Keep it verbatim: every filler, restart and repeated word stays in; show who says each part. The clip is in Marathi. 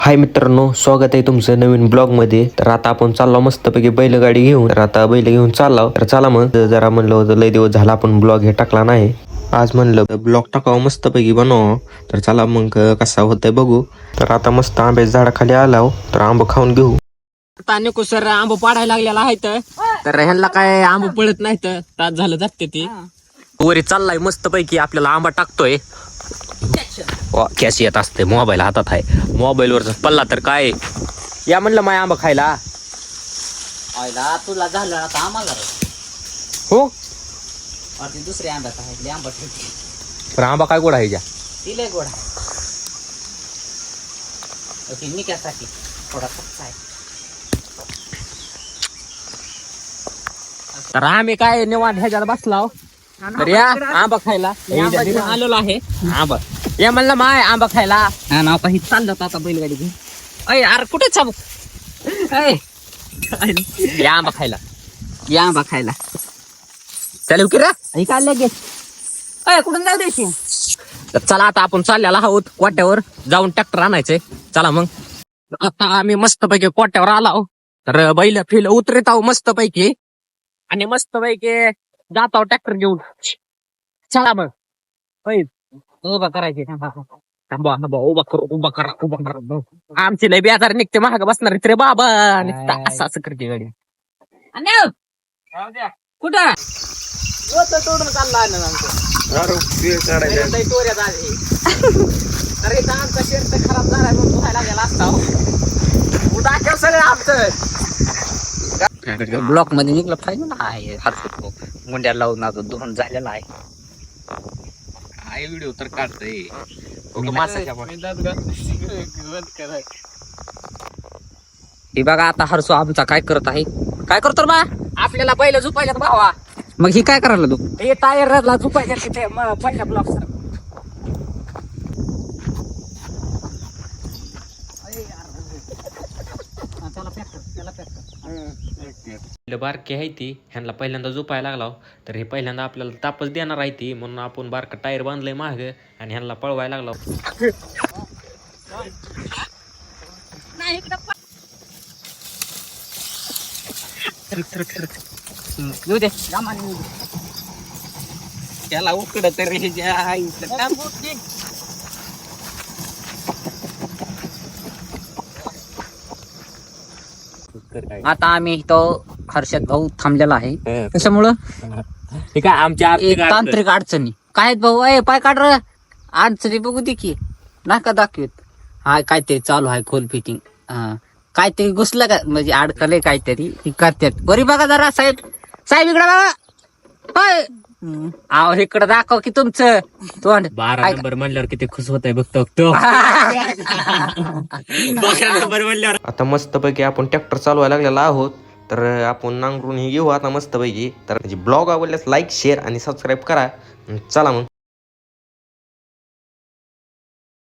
Speaker 1: हाय मित्रांनो, स्वागत आहे तुमचं नवीन ब्लॉग मध्ये. तर आता आपण चाललो मस्तपैकी बैलगाडी घेऊन. तर आता बैल घेऊन चाललो. तर चला मग, जरा म्हणलं होतं लय दिवस झाला आपण ब्लॉग हे टाकला नाही. आज म्हणलं ब्लॉग टाकावं, मस्तपैकी बनवावं. तर चला मग कसा होतंय बघू. तर आता मस्त आंब्याच्या झाडाखाली आलाव, तर आंब खाऊन घेऊ.
Speaker 2: ताने सर आंब पाडायला लागलेला आहे तर ह्यांना काय आंब पडत नाही तर तास झालं जाते ती वरी चाललाय मस्त पैकी आपल्याला आंबा टाकतोय. कॅश येत असते, मोबाईल हातात आहे, मोबाईल वरचा पल्ला तर काय या म्हणलं माय आंबा खायला
Speaker 3: आयला तुला झालं आता आम्हाला
Speaker 2: हो.
Speaker 3: दुसरे आंब्यात आहे आंबा
Speaker 2: पण आंबा काय गोड आहे ज्या
Speaker 3: तिले गोडा निक्यासाठी थोडा कच्चा आहे.
Speaker 2: तर आम्ही काय निवांत ह्याच्यात बसलाव. तर या आंबा खायला आलेलो आहे. आंबा या म्हणलं माय आंबा खायला
Speaker 3: हा ना काही चाललं आता बैलगाडी घेऊन.
Speaker 2: अय अरे कुठे चाबू या आंबा खायला
Speaker 3: या आंबा खायला
Speaker 2: चालेल की रे
Speaker 3: काय लगेच अय कुठून जाऊ द्यायची.
Speaker 2: तर चला आता आपण चाललेला आहोत कोट्यावर जाऊन ट्रॅक्टर आणायचंय. चला मग आता आम्ही मस्त पैकी कोट्यावर आलो. तर बैल फिल उतरत आहो मस्त पैकी आणि मस्त पैकी जात आहो ट्रॅक्टर घेऊन. चला मग
Speaker 3: उभा करायची
Speaker 2: थांबा थांबा उभा करू उभा करा उभा करा. आमची लय बेजार निघते महाग बसणार रे बाबा. निघता असं असं करते गाडी
Speaker 3: कुठं
Speaker 2: तोडून चालला आमचा शर्ट खराब झालाय म्हणून धुवायला गेला असता उद्या सगळं आमचं
Speaker 3: ब्लॉक मध्ये निघलं पाहिजे ना. आहे हात मुंड्या लावून आता दोन झालेला आहे.
Speaker 2: काय व्हिडिओ तर काढतोय
Speaker 3: हे बघा आता हरसो आमचा काय करत आहे.
Speaker 2: काय करतो बा आपल्याला पहिलं झुपायला भावा.
Speaker 3: मग ही काय करायला तू
Speaker 2: हे टायरला झुपायच्या तिथे पहिल्या ब्लॉक सर बारकी आहे ती ह्यांना पहिल्यांदा झोपायला लागला. तर हे पहिल्यांदा आपल्याला तापच देणार आहे ती, म्हणून आपण बारका टायर बांधलंय माग आणि ह्यांना पळवायला लागलो.
Speaker 3: त्याला उकड तरी आता आम्ही तो हर्षद भाऊ थांबलेला आहे. त्याच्यामुळं
Speaker 2: ठीक आहे आमच्या
Speaker 3: तांत्रिक अडचणी काय आहेत भाऊ. अय पाय काढ र अडचणी बघू दे की नाका दाखवत. हा काहीतरी चालू आहे खोल फिटिंग. हा काहीतरी घुसलं का म्हणजे अडकलंय काहीतरी ती करतात. बरी बघा जरा साहेब साहेब इकडे बघा. होय आहो इकडे दाखव की तुमचं तोंड.
Speaker 2: बारा नंबर म्हणल्यावर किती खुश होत आहे बघतो तो. आता मस्तपैकी आपण ट्रॅक्टर चालवायला लागलेला आहोत. तर आपण नांगरून ही घेऊ आता मस्तपैकी. तर म्हणजे ब्लॉग आवडल्यास लाईक शेअर आणि सबस्क्राईब करा. चला मग.